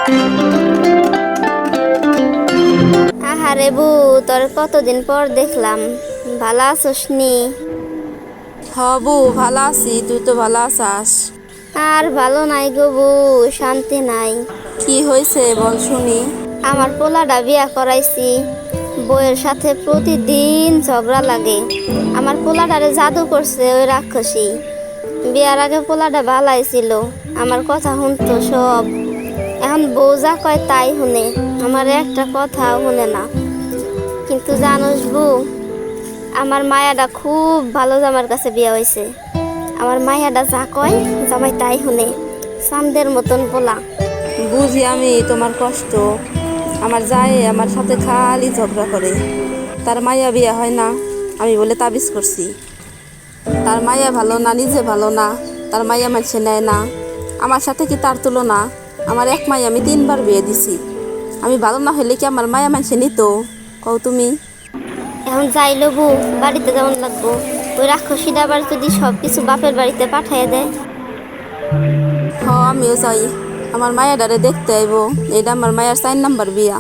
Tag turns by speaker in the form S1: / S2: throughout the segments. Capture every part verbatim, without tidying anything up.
S1: আহারে বউ, তোর কতদিন পর দেখলাম, ভালো আছোস নি?
S2: হ বউ, ভালো আছি। তুই তো ভালো আছাস?
S1: আর ভালো নাই গো বউ, শান্তি নাই।
S2: কি হয়েছে বল শুনি।
S1: আমার পোলাটা বিয়া করাইছি, বউয়ের সাথে প্রতিদিন ঝগড়া লাগে। আমার পোলাটারে জাদু করছে ওই রাক্ষসী। বিয়ার আগে পোলাটা ভালাই ছিল, আমার কথা শুনতো সব। এখন বউ যা কয় তাই শুনে, আমার একটা কথাও শুনে না। কিন্তু জানোস বউ, আমার মায়াটা খুব ভালো জামার কাছে বিয়া হয়েছে। আমার মায়াটা যা কয় জামাই তাই শুনে, চাঁদের মতন পোলা।
S2: বুঝি আমি তোমার কষ্ট। আমার যায় আমার সাথে খালি ঝগড়া করে। তার মাইয়া বিয়া হয় না, আমি বলে তাবিজ করছি। তার মাইয়া ভালো না, নিজে ভালো না, তার মাইয়া মানছে নেয় না। আমার সাথে কি তার তুলনা? আমার এক মাইয়া আমি তিনবার বিয়ে দিছি। আমি ভালো না হলে কি আমার মায়া মানছে নিত? কও তুমি।
S1: এখন যাইলো বউ, বাড়িতে যেমন লাগবো। ওই রাক্ষসীটা আবার যদি সব কিছু বাপের বাড়িতে পাঠাইয়া দেয়।
S2: হ, আমিও চাই আমার মায়াডারে দেখতে আইব। এটা আমার মায়ার চার নাম্বার বিয়া।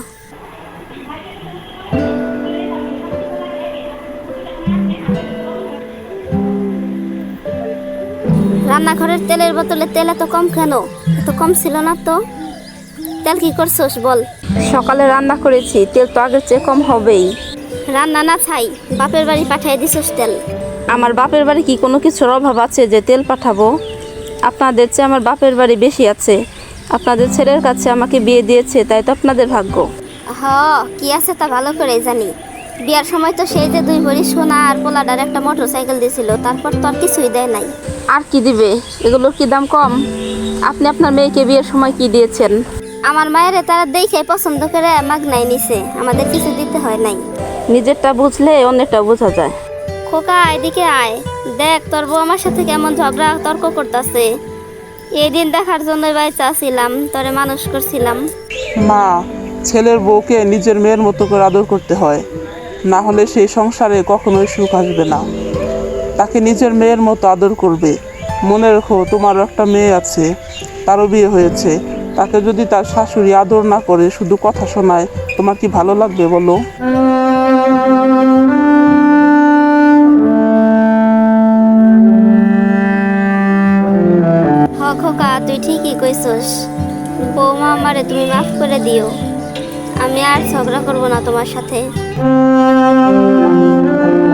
S1: রান্নাঘরের তেলের বোতলে তেল এত কম কেন? এত কম ছিল না তো। তেল কি করছোস বল?
S2: সকালে রান্না করেছি, তেল তো আগের চেয়ে কম হবেই।
S1: রান্না না ছাই, বাপের বাড়ি পাঠাই দিছোস তেল।
S2: আমার বাপের বাড়ি কি কোনো কিছুর অভাব আছে যে তেল পাঠাবো? আপনাদের চেয়ে আমার বাপের বাড়ি বেশি আছে। আপনাদের ছেলের কাছে আমাকে বিয়ে দিয়েছে, তাই তো আপনাদের ভাগ্য।
S1: হ, কি আছে তা ভালো করে জানি। বিয়ার সময় তো সেই যে দুই ভরি সোনা আর পোলাডার একটা মোটর সাইকেল দিয়েছিল, তারপর তো আর কিছুই দেয় নাই।
S2: আর কি দিবে? এগুলোর কি দাম কম? আপনি আপনার মেয়েকে বিয়ের সময় কি দিয়েছেন?
S1: আমার মায়ের তারা দেখে পছন্দ করে মাগনাই নিছে, আমাদের কিছু দিতে হয় নাই।
S2: নিজেরটা বুঝলে অন্যটা বোঝা যায়।
S1: খোকা, এদিকে আয়, দেখ তোর বউ আমার সাথে কেমন ঝগড়া তর্ক করতেছে। এই দিন দেখার জন্য বাইচা ছিলাম, তোরে মানুষ করছিলাম।
S3: মা, ছেলের বউকে নিজের মেয়ের মতো করে আদর করতে হয়, না হলে সেই সংসারে কখনোই সুখ আসবে না। তাকে নিজের মেয়ের মতো আদর করবে। মনে রেখো, তোমারও একটা মেয়ে আছে, তারও বিয়ে হয়েছে। তাকে যদি তার শাশুড়ি আদর না করে, শুধু কথা শোনায়, তোমার কি ভালো লাগবে বলো?
S1: হ খোকা, তুই ঠিকই কইছস। বৌমা, আমারে তুমি মাফ করে দিও। আমি আর ঝগড়া করব না তোমার সাথে।